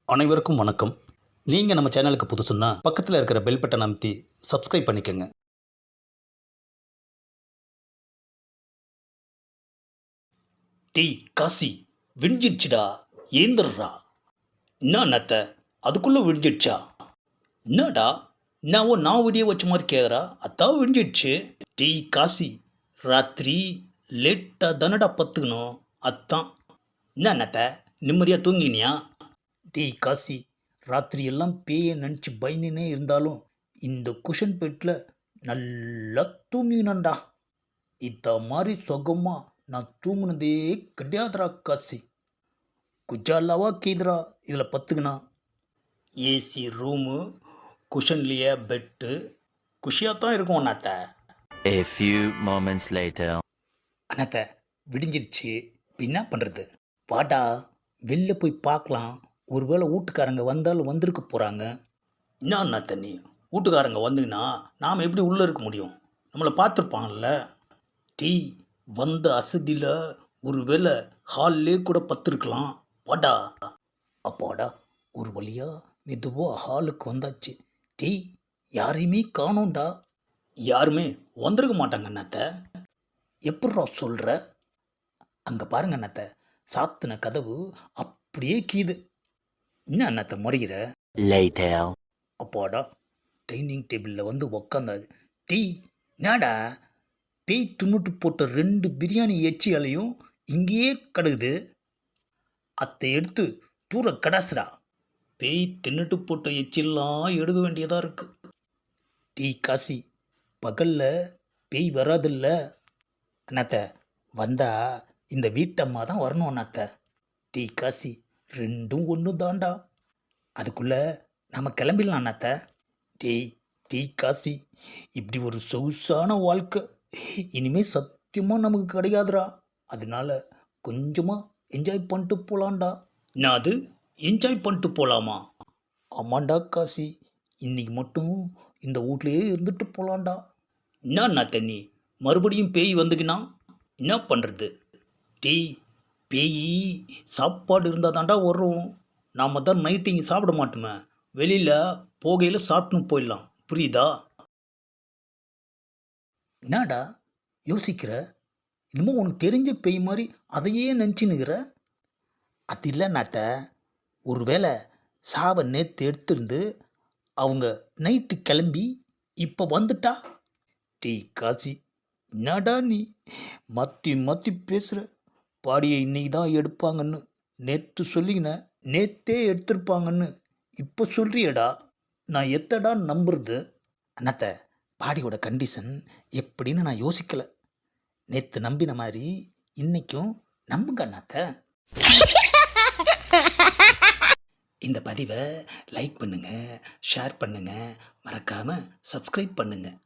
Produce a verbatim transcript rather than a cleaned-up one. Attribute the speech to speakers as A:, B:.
A: அனைவருக்கும் வணக்கம். நீங்கள் நம்ம சேனலுக்கு புதுசுன்னா பக்கத்தில் இருக்கிற பெல் பட்டன் அமைத்தி சப்ஸ்கிரைப் பண்ணிக்கோங்க. டேய் காசி, விடிஞ்சிடுச்சுடா, ஏந்திரா. என்ன நத்த, அதுக்குள்ளே விடிஞ்சிடுச்சா? என்னடா நான் ஓ நான் விடிய வச்ச மாதிரி கேட்குறா? அதான் விடிஞ்சிடுச்சு. டேய் காசி, ராத்திரி லேட்டாக தானடா பத்துக்கணும், அதான். என்ன நத்த, நிம்மதியாக தூங்கினியா? டேய் காசி, ராத்திரி எல்லாம் பேயை நினச்சி பயந்துனே இருந்தாலும் இந்த குஷன் பெட்டில் நல்லா தூங்கினண்டா. இத மாதிரி சுகமாக நான் தூங்குனதே கிடையாதுடா காசி. குஜாலாவா கீதுரா இதில் பத்துக்குண்ணா. ஏசி ரூமு, குஷன்லேயே பெட்டு, குஷியாக தான் இருக்கும் அண்ணாத்த.
B: A few moments later.
A: அண்ணாத்த, விடிஞ்சிருச்சு, இப்போ என்ன பண்ணுறது? வாடா வெளில போய் பார்க்கலாம், ஒருவேளை வீட்டுக்காரங்க வந்தாலும் வந்திருக்க போகிறாங்க. என்ன அண்ணாத்த நீ, வீட்டுக்காரங்க வந்துங்கன்னா நாம் எப்படி உள்ளே இருக்க முடியும்? நம்மளை பார்த்துருப்பாங்கல்ல. டீ வந்த அசதியில் ஒரு வேளை ஹால்லே கூட பத்துருக்கலாம். வாடா. அப்பாடா, ஒரு வழியா மெதுவாக ஹாலுக்கு வந்தாச்சு. டீ யாரையுமே காணோண்டா. யாருமே வந்திருக்க மாட்டாங்க அண்ணாத்த. எப்பட்றா சொல்கிற? அங்கே பாருங்க அண்ணாத்த, சாத்தின கதவு அப்படியே கீது. என்ன அண்ணாத்த முறைகிற?
B: Later.
A: அப்பாடா, டைனிங் டேபிளில் வந்து உக்காந்தாது. டீ நாடா, பேய் துண்ணுட்டு போட்ட ரெண்டு பிரியாணி எச்சி அலையும் இங்கேயே கிடக்குது. அத்தை எடுத்து தூர கடாசுடா. பேய் தின்னுட்டு போட்ட எச்சிலாம் எடுக்க வேண்டியதாக இருக்கு. டீ காசி, பகலில் பேய் வராதில்ல. அண்ணாத்த, வந்தா இந்த வீட்டம்மா தான் வரணும் அண்ணாத்த. டீ காசி, ரெண்டும் ஒன்று தாண்டா. அதுக்குள்ளே நம்ம கிளம்பிடலாம் அண்ணாத்த. டேய் டீ காசி, இப்படி ஒரு சொகுசான வாழ்க்கை இனிமேல் சத்தியமாக நமக்கு கிடையாதுடா. அதனால கொஞ்சமாக என்ஜாய் பண்ணிட்டு போகலான்டா. நான் அது என்ஜாய் பண்ணிட்டு போகலாமா? ஆமாண்டா காசி, இன்னைக்கு மட்டும் இந்த வீட்லையே இருந்துட்டு போகலான்டா. என்னண்ணா தண்ணி, மறுபடியும் பேய் வந்துக்கினா என்ன பண்ணுறது? டேய், பேய் சாப்பாடு இருந்தால் தாண்டா வரும். நாம் தான் நைட்டு இங்கே சாப்பிட மாட்டோமே, வெளியில் போகையில் சாப்பிட்டுன்னு போயிடலாம், புரியுதா? என்னடா யோசிக்கிற? இன்னமும் உனக்கு தெரிஞ்ச பேய் மாதிரி அதையே நினச்சின்னுக்கிற? அது இல்லை நாத்த, ஒருவேளை சாவை நேற்று எடுத்திருந்து அவங்க நைட்டு கிளம்பி இப்போ வந்துட்டா? டீ காசி, என்னடா நீ மாற்றி மாற்றி பேசுகிற? பாடியை இன்னைக்கு தான் எடுப்பாங்கன்னு நேற்று சொல்லிக்கின, நேற்றே எடுத்திருப்பாங்கன்னு இப்போ சொல்கிறியடா. நான் எத்தடா நம்புறது? அண்ணாத்த, பாடியோட கண்டிஷன் எப்படின்னு நான் யோசிக்கலை. நேற்று நம்பின மாதிரி இன்றைக்கும் நம்புங்க அண்ணாத்த. இந்த பதிவை லைக் பண்ணுங்கள், ஷேர் பண்ணுங்கள், மறக்காமல் சப்ஸ்கிரைப் பண்ணுங்கள்.